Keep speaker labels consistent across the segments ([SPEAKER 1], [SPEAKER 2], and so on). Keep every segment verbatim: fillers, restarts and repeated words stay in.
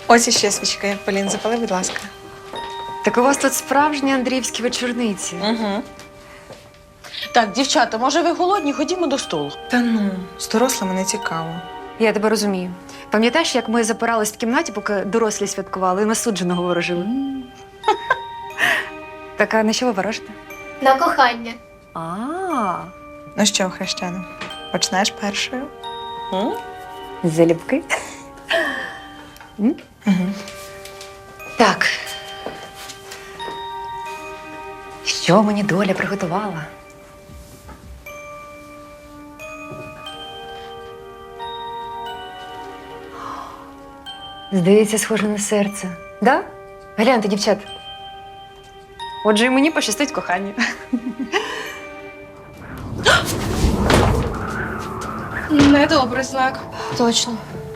[SPEAKER 1] Ось іще свічки. Полін, запали, будь ласка.
[SPEAKER 2] Так у вас тут справжні андріївські вечорниці.
[SPEAKER 3] Угу. Так, дівчата, може ви голодні? Ходімо до столу.
[SPEAKER 1] Та ну, з дорослими не цікаво.
[SPEAKER 2] Я тебе розумію. Пам'ятаєш, як ми запирались в кімнаті, поки дорослі святкували і на судженого ворожили? Так, а на що ви ворожите?
[SPEAKER 4] На кохання.
[SPEAKER 2] А,
[SPEAKER 1] Ну що, хрещено, почнеш першою?
[SPEAKER 3] М?
[SPEAKER 2] залюбки. М?
[SPEAKER 1] Угу.
[SPEAKER 2] Так. Що мені доля приготувала? Здається, схоже на серце. Да? Гляньте, дівчат. Отже, і мені пощастить кохання.
[SPEAKER 1] Недобрий знак.
[SPEAKER 4] Точно.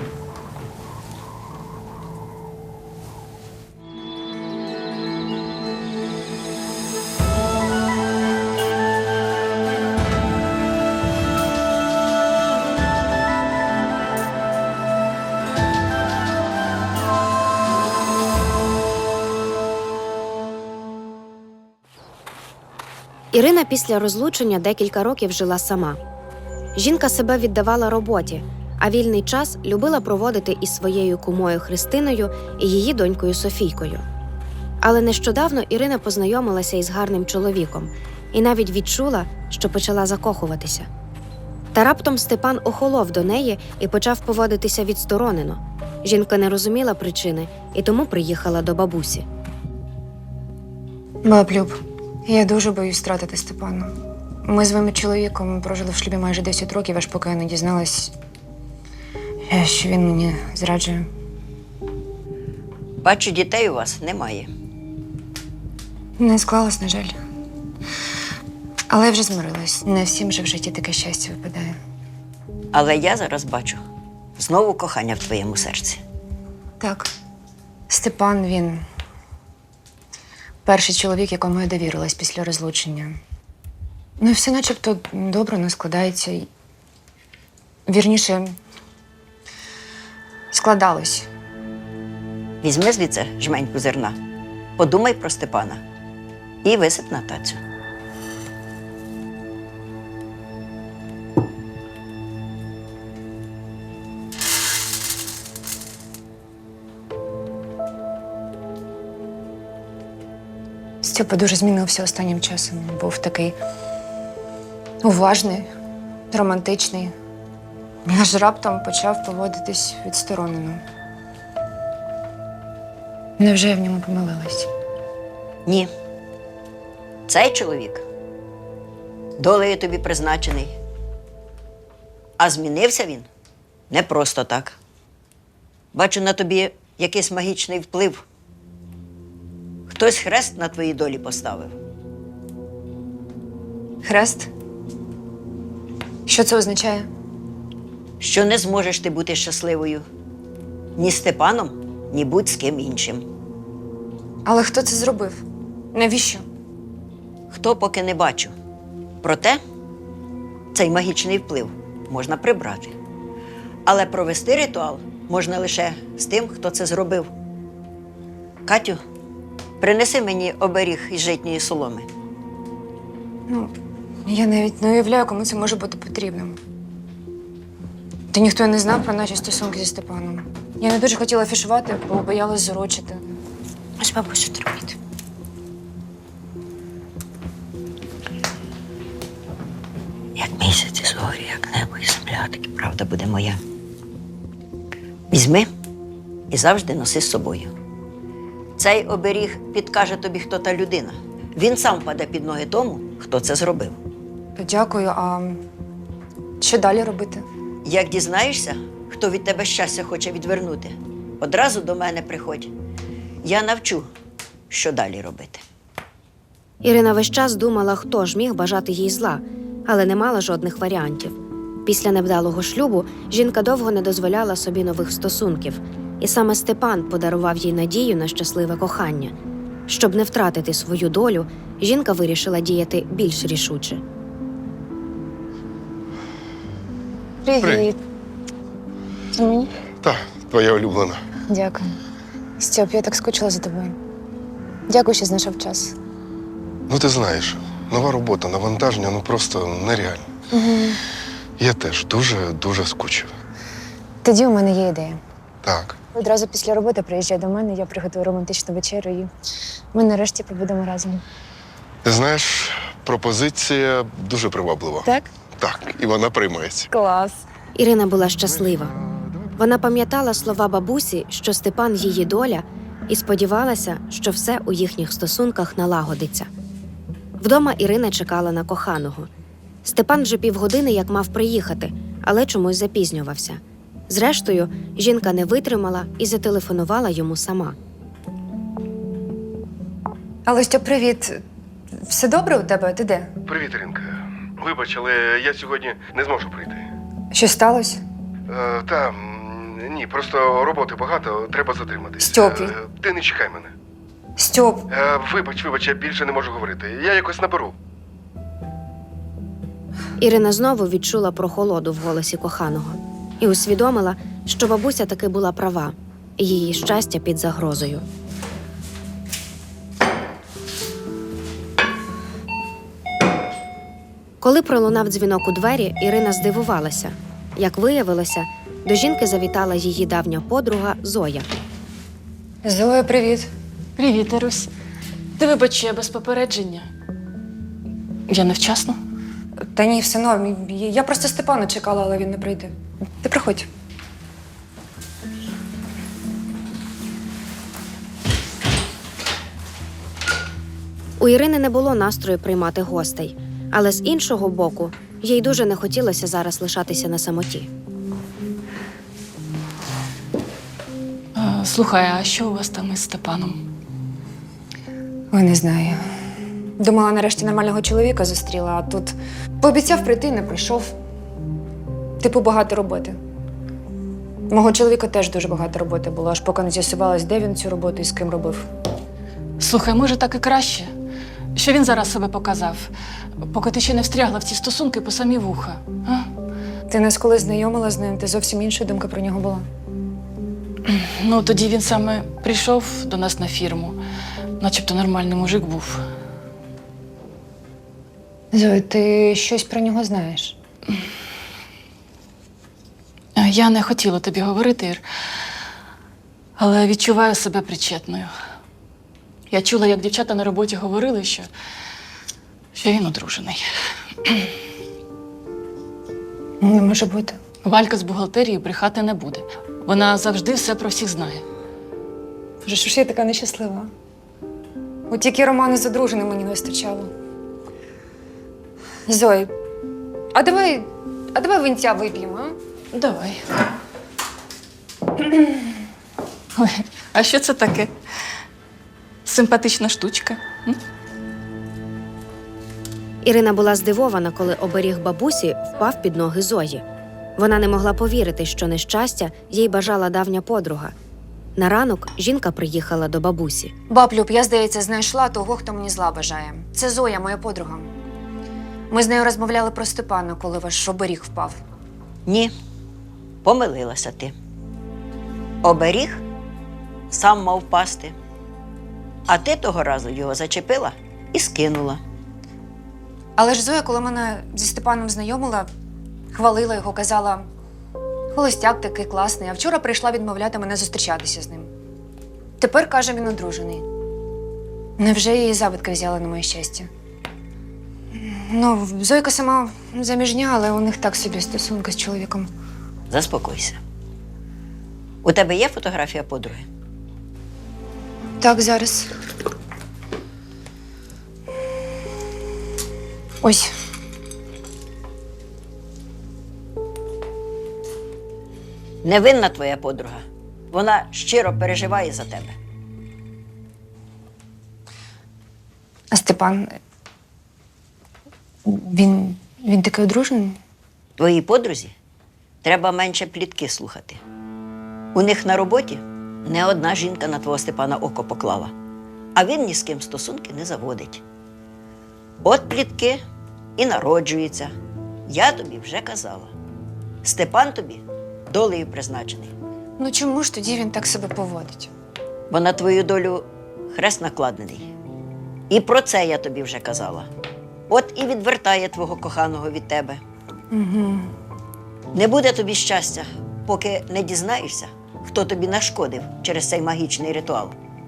[SPEAKER 5] Ірина після розлучення декілька років жила сама. Жінка себе віддавала роботі, а вільний час любила проводити із своєю кумою Христиною і її донькою Софійкою. Але нещодавно Ірина познайомилася із гарним чоловіком і навіть відчула, що почала закохуватися. Та раптом Степан охолов до неї і почав поводитися відсторонено. Жінка не розуміла причини і тому приїхала до бабусі.
[SPEAKER 2] Баб Люб, я дуже боюсь втратити Степана. Ми з вами чоловіком прожили в шлюбі майже десять років, аж поки я не дізналась, що він мені зраджує.
[SPEAKER 6] Бачу, дітей у вас немає.
[SPEAKER 2] Не склалось, на жаль. Але я вже змирилась. Не всім же в житті таке щастя випадає.
[SPEAKER 6] Але я зараз бачу знову кохання в твоєму серці.
[SPEAKER 2] Так, Степан, він перший чоловік, якому я довірилась після розлучення. Ну і все начебто добре не складається. І, вірніше, складалось.
[SPEAKER 6] Візьми звідси жменьку зерна, подумай про Степана і висип на тацю.
[SPEAKER 2] Степа дуже змінився останнім часом. Був такий уважний, романтичний. Аж раптом почав поводитись відсторонено. Невже я в ньому помилилась?
[SPEAKER 6] Ні. Цей чоловік долею тобі призначений. А змінився він не просто так. Бачу на тобі якийсь магічний вплив. Хтось хрест на твоїй долі поставив.
[SPEAKER 2] Хрест? Що це означає?
[SPEAKER 6] Що не зможеш ти бути щасливою ні з Степаном, ні будь з ким іншим.
[SPEAKER 2] Але хто це зробив? Навіщо?
[SPEAKER 6] Хто, поки не бачу. Проте цей магічний вплив можна прибрати. Але провести ритуал можна лише з тим, хто це зробив. Катю, принеси мені оберіг із житньої соломи.
[SPEAKER 2] Ну, я навіть не уявляю, кому це може бути потрібним. Та ніхто й не знав про наші стосунки зі Степаном. Я не дуже хотіла афішувати, бо боялась зарочити. Ось бабусю терпіть.
[SPEAKER 6] Як місяць із горі, як небо і земля, так і правда буде моя. Візьми і завжди носи з собою. Цей оберіг підкаже тобі, хто та людина. Він сам впаде під ноги тому, хто це зробив.
[SPEAKER 2] Дякую, а що далі робити?
[SPEAKER 6] Як дізнаєшся, хто від тебе щастя хоче відвернути, одразу до мене приходь. Я навчу, що далі робити.
[SPEAKER 5] Ірина весь час думала, хто ж міг бажати їй зла, але не мала жодних варіантів. Після невдалого шлюбу жінка довго не дозволяла собі нових стосунків. І саме Степан подарував їй надію на щасливе кохання. Щоб не втратити свою долю, жінка вирішила діяти більш рішуче.
[SPEAKER 2] Привіт.
[SPEAKER 7] Привіт.
[SPEAKER 2] Це мені?
[SPEAKER 7] Так, твоя улюблена.
[SPEAKER 2] Дякую. Стьоп, я так скучила за тобою. Дякую, що знайшов час.
[SPEAKER 4] Ну, ти знаєш, нова робота, навантаження, ну просто нереально.
[SPEAKER 2] Угу.
[SPEAKER 4] Я теж дуже-дуже скучив.
[SPEAKER 2] Тоді у мене є ідея.
[SPEAKER 4] Так.
[SPEAKER 2] Одразу після роботи приїжджай до мене, я приготую романтичну вечерю і ми нарешті побудемо разом.
[SPEAKER 4] Ти знаєш, пропозиція дуже приваблива.
[SPEAKER 2] Так?
[SPEAKER 4] Так, і вона приймається.
[SPEAKER 2] Клас.
[SPEAKER 5] Ірина була щаслива. Вона пам'ятала слова бабусі, що Степан її доля, і сподівалася, що все у їхніх стосунках налагодиться. Вдома Ірина чекала на коханого. Степан вже півгодини як мав приїхати, але чомусь запізнювався. Зрештою, жінка не витримала і зателефонувала йому сама.
[SPEAKER 2] Алло, Стьоп, привіт. Все добре у тебе? Ти де?
[SPEAKER 4] Привіт, Іринка. Вибач, але я сьогодні не зможу прийти.
[SPEAKER 2] Що сталося?
[SPEAKER 4] Е, та, м, ні, просто роботи багато, треба затриматись.
[SPEAKER 2] Стьопі.
[SPEAKER 4] Е, ти не чекай мене.
[SPEAKER 2] Стьоп,
[SPEAKER 4] Е, вибач, вибач, я більше не можу говорити. Я якось наберу.
[SPEAKER 5] Ірина знову відчула прохолоду в голосі коханого і усвідомила, що бабуся таки була права, і її щастя під загрозою. Коли пролунав дзвінок у двері, Ірина здивувалася. Як виявилося, до жінки завітала її давня подруга Зоя.
[SPEAKER 2] Зоя, привіт.
[SPEAKER 3] Привіт, Ірусь. Ти вибач, що я без попередження. Я невчасно?
[SPEAKER 2] Та ні, все норм. Я просто Степана чекала, але він не прийде. Ти приходь.
[SPEAKER 5] У Ірини не було настрою приймати гостей, але з іншого боку, їй дуже не хотілося зараз лишатися на самоті.
[SPEAKER 3] А, слухай, а що у вас там із Степаном?
[SPEAKER 2] Ой, не знаю. Думала, нарешті нормального чоловіка зустріла, а тут пообіцяв прийти, не прийшов. Типу, багато роботи. Мого чоловіка теж дуже багато роботи було, аж поки не з'ясувалось, де він цю роботу і з ким робив.
[SPEAKER 3] Слухай, може, так і краще. Що він зараз себе показав, поки ти ще не встрягла в ці стосунки по самі вуха. А?
[SPEAKER 2] Ти нас коли знайомила з ним, ти зовсім інша думка про нього була.
[SPEAKER 3] Ну, тоді він саме прийшов до нас на фірму. Начебто нормальний мужик був.
[SPEAKER 2] Зоя, ти щось про нього знаєш?
[SPEAKER 3] Я не хотіла тобі говорити, Ір, але відчуваю себе причетною. Я чула, як дівчата на роботі говорили, що, що він одружений.
[SPEAKER 2] Не може бути.
[SPEAKER 3] Валька з бухгалтерії брехати не буде. Вона завжди все про всіх знає.
[SPEAKER 2] Боже, що ж я така нещаслива? От тільки роману з одруженим мені не вистачало. Зой, а давай, а давай винця вип'ємо, а?
[SPEAKER 3] Давай. Ой, а що це таке? Симпатична штучка. М?
[SPEAKER 5] Ірина була здивована, коли оберіг бабусі впав під ноги Зої. Вона не могла повірити, що нещастя їй бажала давня подруга. На ранок жінка приїхала до бабусі.
[SPEAKER 2] Баб Люб, я, здається, знайшла того, хто мені зла бажає. Це Зоя, моя подруга. Ми з нею розмовляли про Степана, коли ваш оберіг впав.
[SPEAKER 6] Ні, помилилася ти. Оберіг сам мав впасти. А ти того разу його зачепила і скинула.
[SPEAKER 2] Але ж Зоя, коли мене зі Степаном знайомила, хвалила його, казала, холостяк такий класний, а вчора прийшла відмовляти мене зустрічатися з ним. Тепер, каже, він одружений. Невже її завидки взяла на моє щастя? Ну, Зойка сама заміжня, але у них так собі стосунки з чоловіком.
[SPEAKER 6] Заспокойся. У тебе є фотографія подруги?
[SPEAKER 2] Так, зараз. Ось.
[SPEAKER 6] Невинна твоя подруга. Вона щиро переживає за тебе.
[SPEAKER 2] А Степан, він, він такий одружений?
[SPEAKER 6] Твоїй подрузі треба менше плітки слухати. У них на роботі не одна жінка на твого Степана око поклала, а він ні з ким стосунки не заводить. От плітки і народжуються. Я тобі вже казала. Степан тобі долею призначений.
[SPEAKER 2] Ну чому ж тоді він так себе поводить?
[SPEAKER 6] бо на твою долю хрест накладений. І про це я тобі вже казала. От і відвертає твого коханого від тебе.
[SPEAKER 2] Угу.
[SPEAKER 6] Не буде тобі щастя, поки не дізнаєшся, хто тобі нашкодив через цей магічний ритуал.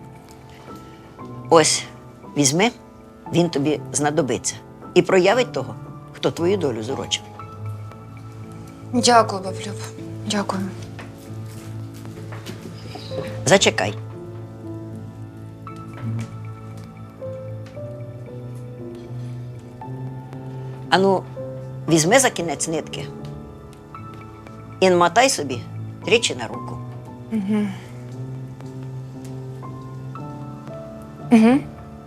[SPEAKER 6] Ось, візьми, він тобі знадобиться. І проявить того, хто твою долю зурочив.
[SPEAKER 2] Дякую, баблюб. Дякую.
[SPEAKER 6] Зачекай. Ану, візьми за кінець нитки і намотай собі тричі на руку.
[SPEAKER 2] Угу. Угу.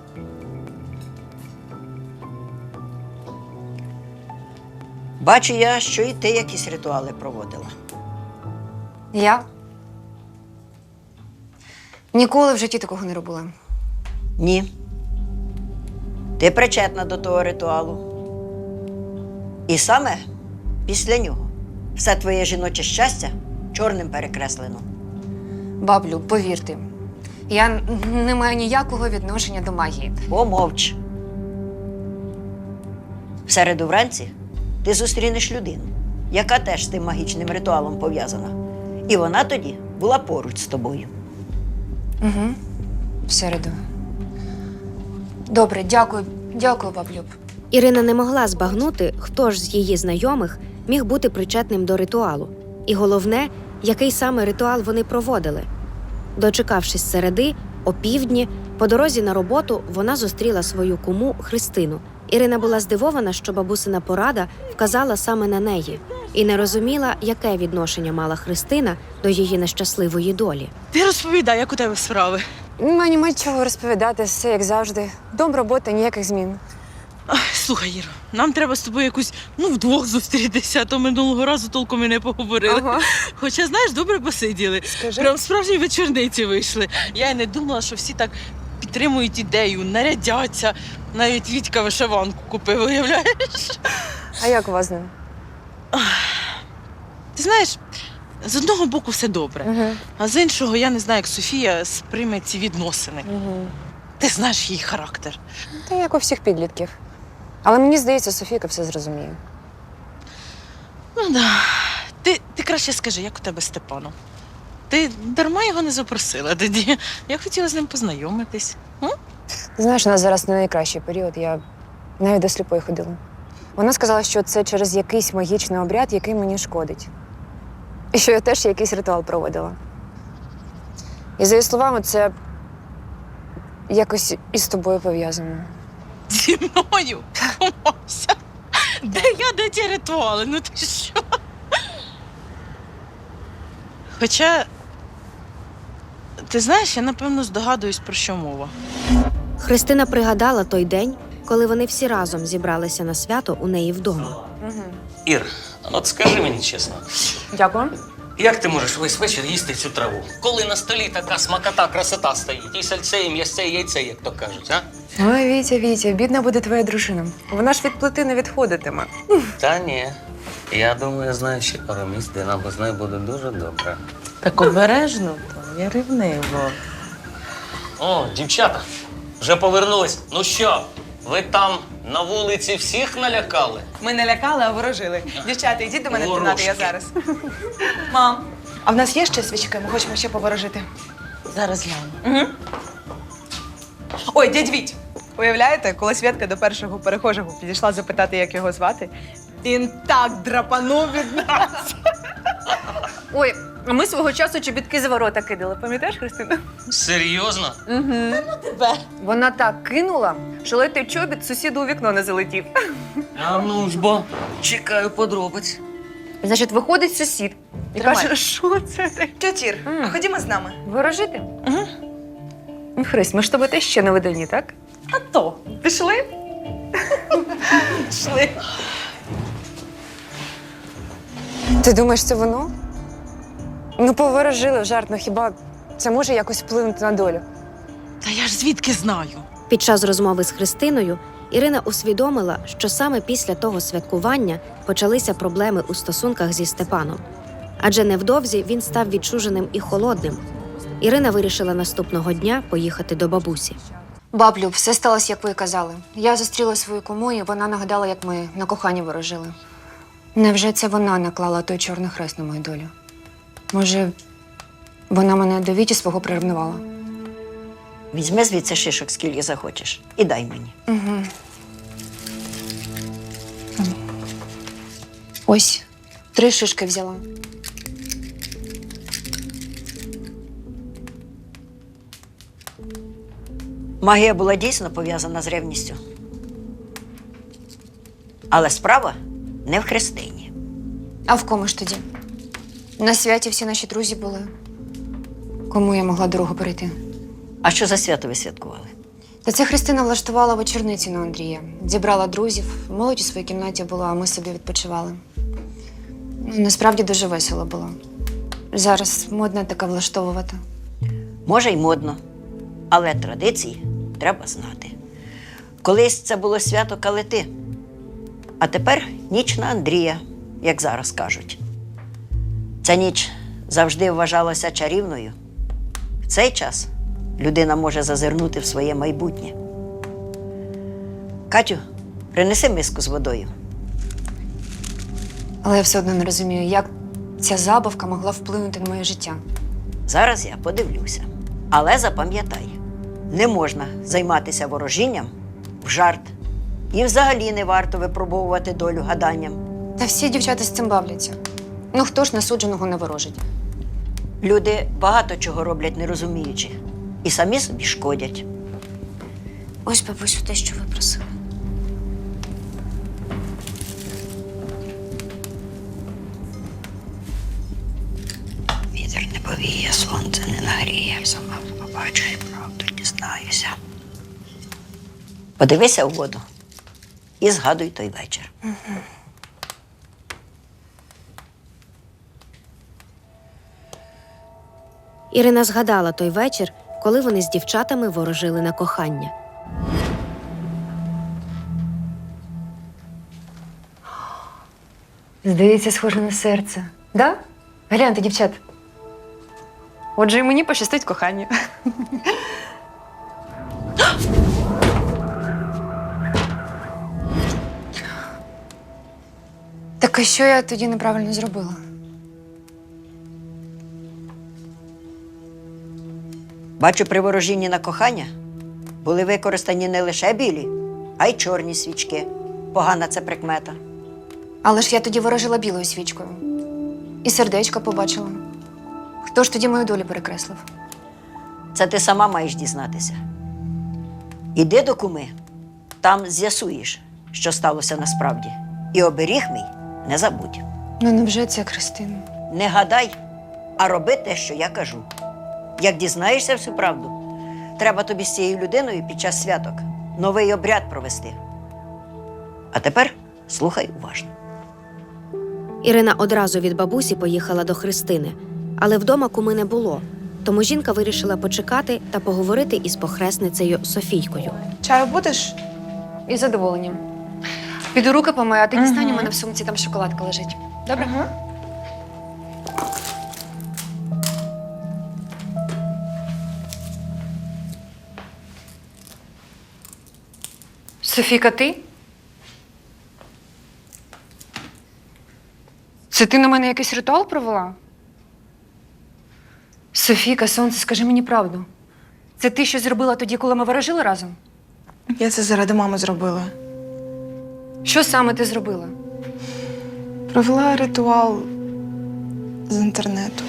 [SPEAKER 6] Бачу я, що і ти якісь ритуали проводила.
[SPEAKER 2] Я? Ніколи в житті такого не робила.
[SPEAKER 6] Ні. Ти причетна до того ритуалу. І саме після нього все твоє жіноче щастя чорним перекреслено.
[SPEAKER 2] Баблю, повірте, я не маю ніякого відношення до магії.
[SPEAKER 6] Помовч. В середу вранці ти зустрінеш людину, яка теж з тим магічним ритуалом пов'язана. І вона тоді була поруч з тобою.
[SPEAKER 2] Угу. В середу. Добре, дякую. Дякую, баблюб.
[SPEAKER 5] Ірина не могла збагнути, хто ж з її знайомих міг бути причетним до ритуалу. І головне, який саме ритуал вони проводили. Дочекавшись середи, о півдні, по дорозі на роботу вона зустріла свою куму Христину. Ірина була здивована, що бабусина порада вказала саме на неї. І не розуміла, яке відношення мала Христина до її нещасливої долі.
[SPEAKER 7] Ти розповідай, як у тебе справи.
[SPEAKER 2] Мені нема чого розповідати, все як завжди. Дом, робота, ніяких змін.
[SPEAKER 7] Ах, слухай, Іро, нам треба з тобою якусь, ну, вдвох зустрітися, а то минулого разу толком і не поговорили.
[SPEAKER 2] Ага.
[SPEAKER 7] Хоча, знаєш, добре посиділи.
[SPEAKER 2] Скажи.
[SPEAKER 7] Прям справжні вечорниці вийшли. Я й не думала, що всі так підтримують ідею, нарядяться. Навіть Вітька вишиванку купив, уявляєш?
[SPEAKER 2] А як у вас з ним?
[SPEAKER 7] Ти знаєш, з одного боку все добре,
[SPEAKER 2] Угу.
[SPEAKER 7] а з іншого я не знаю, як Софія сприйме ці відносини.
[SPEAKER 2] Угу.
[SPEAKER 7] Ти знаєш її характер.
[SPEAKER 2] Та як у всіх підлітків. Але мені здається, Софійка все зрозуміє.
[SPEAKER 7] Ну да. Ти, ти краще скажи, як у тебе з Степаном? Ти дарма його не запросила тоді. Я хотіла з ним познайомитись. М?
[SPEAKER 2] Знаєш, у нас зараз не найкращий період. Я навіть до сліпої ходила. Вона сказала, що це через якийсь магічний обряд, який мені шкодить. І що я теж якийсь ритуал проводила. І за її словами, це якось із тобою пов'язано.
[SPEAKER 7] Зі мною? Помався. Де я, де ті ритуали? Ну ти що? Хоча, ти знаєш, я напевно здогадуюсь, про що мова.
[SPEAKER 5] Христина пригадала той день, коли вони всі разом зібралися на свято у неї вдома.
[SPEAKER 2] Угу.
[SPEAKER 8] Ір, от скажи мені чесно,
[SPEAKER 2] Дякую.
[SPEAKER 8] як ти можеш весь вечір їсти цю траву? Коли на столі така смакота, красота стоїть, і сальце, і м'ясце, і яйце, як то кажуть, а?
[SPEAKER 2] Ой, Вітя, Вітя, бідна буде твоя дружина. Вона ж від плити не відходитиме.
[SPEAKER 8] Та ні. Я думаю, я знаю ще пару місць, де нам з нею буде дуже добре.
[SPEAKER 7] Так обережно, то я ревнива.
[SPEAKER 8] О, дівчата, вже повернулись. Ну що, ви там на вулиці всіх налякали?
[SPEAKER 1] Ми не лякали, а ворожили. Дівчата, йдіть до мене в кімнату, я
[SPEAKER 8] Ворожки.
[SPEAKER 1] зараз. Мам, а в нас є ще свічки? Ми хочемо ще поворожити.
[SPEAKER 7] Зараз гляну.
[SPEAKER 1] Угу. Ой, дядь Віть, уявляєте, коли Святка до першого перехожого підійшла запитати, як його звати, він так драпанув від нас.
[SPEAKER 2] Ой, а ми свого часу чобітки за ворота кидали, пам'ятаєш, Христина?
[SPEAKER 8] Серйозно?
[SPEAKER 2] Угу.
[SPEAKER 7] Тебе.
[SPEAKER 2] Вона так кинула, що летий чобіт сусіду у вікно не залетів.
[SPEAKER 8] А ну ж бо, чекаю подробиць.
[SPEAKER 2] Значить, виходить сусід і
[SPEAKER 1] Тримай.
[SPEAKER 2] каже, що це таке?
[SPEAKER 1] Тьотір,
[SPEAKER 2] М.
[SPEAKER 1] ходімо з нами.
[SPEAKER 2] Ворожити?
[SPEAKER 7] Угу.
[SPEAKER 2] Ну, Христ, ми ж тобі теж ще не видані, так?
[SPEAKER 1] А то, пішли? Пішли.
[SPEAKER 2] Ти думаєш, це воно? Ну, поворожили в жарт, ну хіба це може якось вплинути на долю?
[SPEAKER 7] Та я ж звідки знаю?
[SPEAKER 5] Під час розмови з Христиною Ірина усвідомила, що саме після того святкування почалися проблеми у стосунках зі Степаном. Адже невдовзі він став відчуженим і холодним. Ірина вирішила наступного дня поїхати до бабусі.
[SPEAKER 2] Баблю, все сталося, як ви і казали. Я зустріла свою куму, і вона нагадала, як ми на коханні ворожили. Невже це вона наклала той чорний хрест на мою долю? Може, вона мене до Віті свого приревнувала?
[SPEAKER 6] Візьми звідси шишок, скільки захочеш, і дай мені.
[SPEAKER 2] Угу. Ось, три шишки взяла.
[SPEAKER 6] Магія була дійсно пов'язана з ревністю. Але справа не в Христині.
[SPEAKER 2] А в кому ж тоді? На святі всі наші друзі були. Кому я могла дорогу перейти?
[SPEAKER 6] А що за свято ви святкували?
[SPEAKER 2] Та це Христина влаштувала вечорниці на Андрія. Зібрала друзів, молодь у своїй кімнаті була, а ми собі відпочивали. Ну, насправді дуже весело було. Зараз модно таке влаштовувати.
[SPEAKER 6] Може, й модно, але традиції треба знати. Колись це було свято Калити, а тепер ніч на Андрія, як зараз кажуть. Ця ніч завжди вважалася чарівною. В цей час людина може зазирнути в своє майбутнє. Катю, принеси миску з водою.
[SPEAKER 2] Але я все одно не розумію, як ця забавка могла вплинути на моє життя.
[SPEAKER 6] Зараз я подивлюся. Але запам'ятай, не можна займатися ворожінням в жарт. І взагалі не варто випробовувати долю гаданням.
[SPEAKER 2] Та всі дівчата з цим бавляться. Ну хто ж насудженого не ворожить?
[SPEAKER 6] Люди багато чого роблять не розуміючи. І самі собі шкодять.
[SPEAKER 2] Ось, бабусю, те, що ви просили.
[SPEAKER 6] Вітер не повіє, сонце не нагріє. Сама побачу і правду дізнаюся. Подивися у воду і згадуй той вечір.
[SPEAKER 2] Угу.
[SPEAKER 5] Ірина згадала той вечір, коли вони з дівчатами ворожили на кохання.
[SPEAKER 2] Здається, схоже на серце. Да? Гляньте, дівчат. Отже, і мені пощастить кохання. Так а що я тоді неправильно зробила?
[SPEAKER 6] Бачу, при ворожінні на кохання були використані не лише білі, а й чорні свічки. Погана це прикмета.
[SPEAKER 2] Але ж я тоді ворожила білою свічкою. І сердечко побачила. Хто ж тоді мою долю перекреслив?
[SPEAKER 6] Це ти сама маєш дізнатися. Іди до куми, там з'ясуєш, що сталося насправді. І оберіг мій не забудь.
[SPEAKER 2] Ну невже це Христина?
[SPEAKER 6] Не гадай, а роби те, що я кажу. Як дізнаєшся всю правду, треба тобі з цією людиною під час святок новий обряд провести. А тепер слухай уважно.
[SPEAKER 5] Ірина одразу від бабусі поїхала до Христини, але вдома куми не було. Тому жінка вирішила почекати та поговорити із похресницею Софійкою.
[SPEAKER 1] Чаю будеш?
[SPEAKER 2] Із задоволенням. Піду руки помию, а ти дістань, у мене в сумці там шоколадка лежить. Добре?
[SPEAKER 1] Ага.
[SPEAKER 2] Софійка, ти? Це ти на мене якийсь ритуал провела? Софійка, сонце, скажи мені правду. Це ти щось зробила тоді, коли ми ворожили разом?
[SPEAKER 1] Я це заради мами зробила.
[SPEAKER 2] Що саме ти зробила?
[SPEAKER 1] Провела ритуал з інтернету.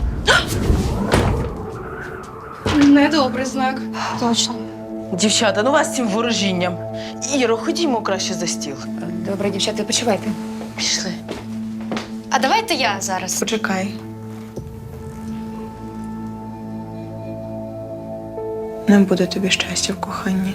[SPEAKER 3] Недобрий знак.
[SPEAKER 1] Точно.
[SPEAKER 7] Дівчата, ну вас з цим ворожінням. Іро, ходімо краще за стіл.
[SPEAKER 2] Добре, дівчата, почувайте.
[SPEAKER 7] Пішли.
[SPEAKER 2] А давайте я зараз.
[SPEAKER 1] Почекай. Не буде тобі щастя в коханні.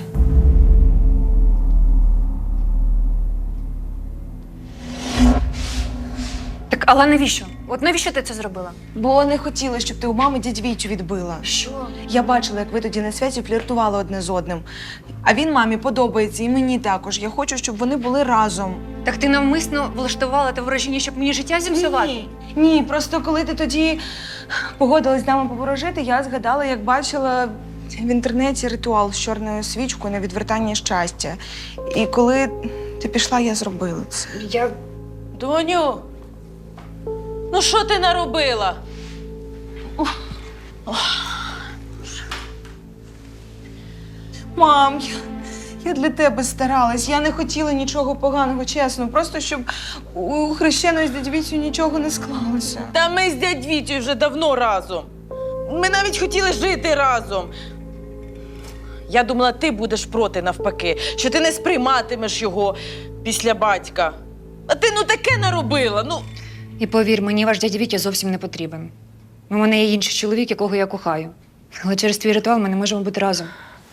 [SPEAKER 2] Так, але навіщо? От навіщо ти це зробила?
[SPEAKER 1] Бо не хотіла, щоб ти у мами дядь Вітю відбила.
[SPEAKER 2] Що?
[SPEAKER 1] Я бачила, як ви тоді на святі фліртували одне з одним. А він мамі подобається, і мені також. Я хочу, щоб вони були разом.
[SPEAKER 2] Так ти навмисно влаштувала те ворожіння, щоб мені життя зіпсувати?
[SPEAKER 1] Ні, ні, просто коли ти тоді погодилась з нами поворожити, я згадала, як бачила в інтернеті ритуал з чорною свічкою на відвертання щастя. І коли ти пішла, я зробила це.
[SPEAKER 2] Я...
[SPEAKER 7] Доню, ну що ти наробила?
[SPEAKER 1] Мам, я, я для тебе старалась. Я не хотіла нічого поганого, чесно. Просто щоб у хрещеної з дядь Вітю нічого не склалося.
[SPEAKER 7] Та ми з дядь Вітю вже давно разом. Ми навіть хотіли жити разом. Я думала, ти будеш проти навпаки, що ти не сприйматимеш його після батька. А ти ну таке наробила. Ну,
[SPEAKER 2] І повір, мені ваш дядя Вітя зовсім не потрібен. У мене є інший чоловік, якого я кохаю. Але через твій ритуал ми не можемо бути разом.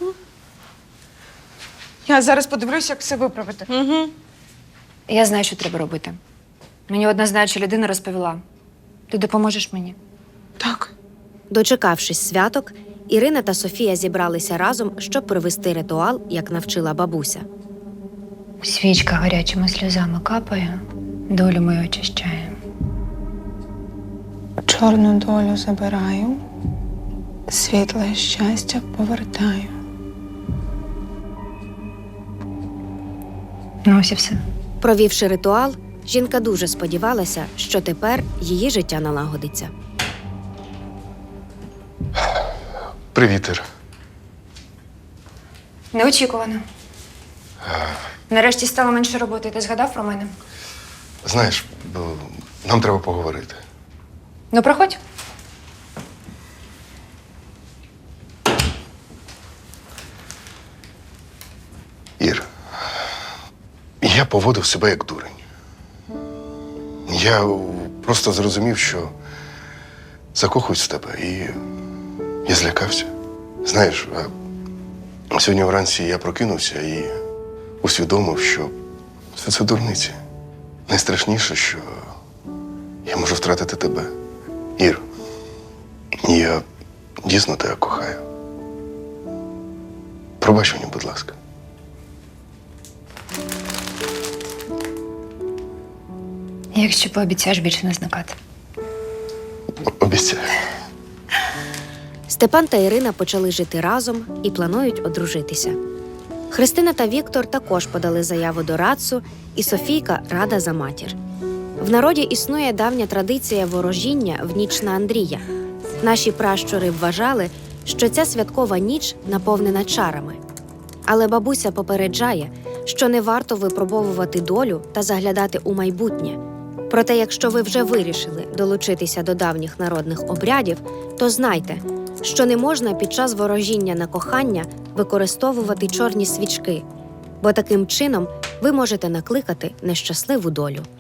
[SPEAKER 1] Я зараз подивлюся, як все виправити.
[SPEAKER 7] угу.
[SPEAKER 2] Я знаю, що треба робити. Мені одна знаюча людина розповіла. Ти допоможеш мені?
[SPEAKER 1] Так.
[SPEAKER 5] Дочекавшись святок, Ірина та Софія зібралися разом, щоб провести ритуал, як навчила бабуся.
[SPEAKER 2] Свічка гарячими сльозами капає, долю мою очищає.
[SPEAKER 1] Чорну долю забираю, світле щастя повертаю.
[SPEAKER 2] Ну ось і все.
[SPEAKER 5] Провівши ритуал, жінка дуже сподівалася, що тепер її життя налагодиться.
[SPEAKER 4] Привіт, Ір.
[SPEAKER 2] Неочікувано. Нарешті стало менше роботи. Ти згадав про мене?
[SPEAKER 4] Знаєш, бо нам треба поговорити.
[SPEAKER 2] Ну, проходь.
[SPEAKER 4] Ір, я поводив себе як дурень. Я просто зрозумів, що закохуюсь в тебе, і я злякався. Знаєш, а сьогодні вранці я прокинувся і усвідомив, що все це дурниці. Найстрашніше, що я можу втратити тебе. Ір, я дійсно тебе кохаю. Пробач мені, будь ласка.
[SPEAKER 2] Якщо пообіцяєш більше не зникати.
[SPEAKER 4] Обіцяю.
[SPEAKER 5] Степан та Ірина почали жити разом і планують одружитися. Христина та Віктор також подали заяву до Рацу, і Софійка рада за матір. В народі існує давня традиція ворожіння в ніч на Андрія. Наші пращури вважали, що ця святкова ніч наповнена чарами. Але бабуся попереджає, що не варто випробовувати долю та заглядати у майбутнє. Проте, якщо ви вже вирішили долучитися до давніх народних обрядів, то знайте, що не можна під час ворожіння на кохання використовувати чорні свічки, бо таким чином ви можете накликати нещасливу долю.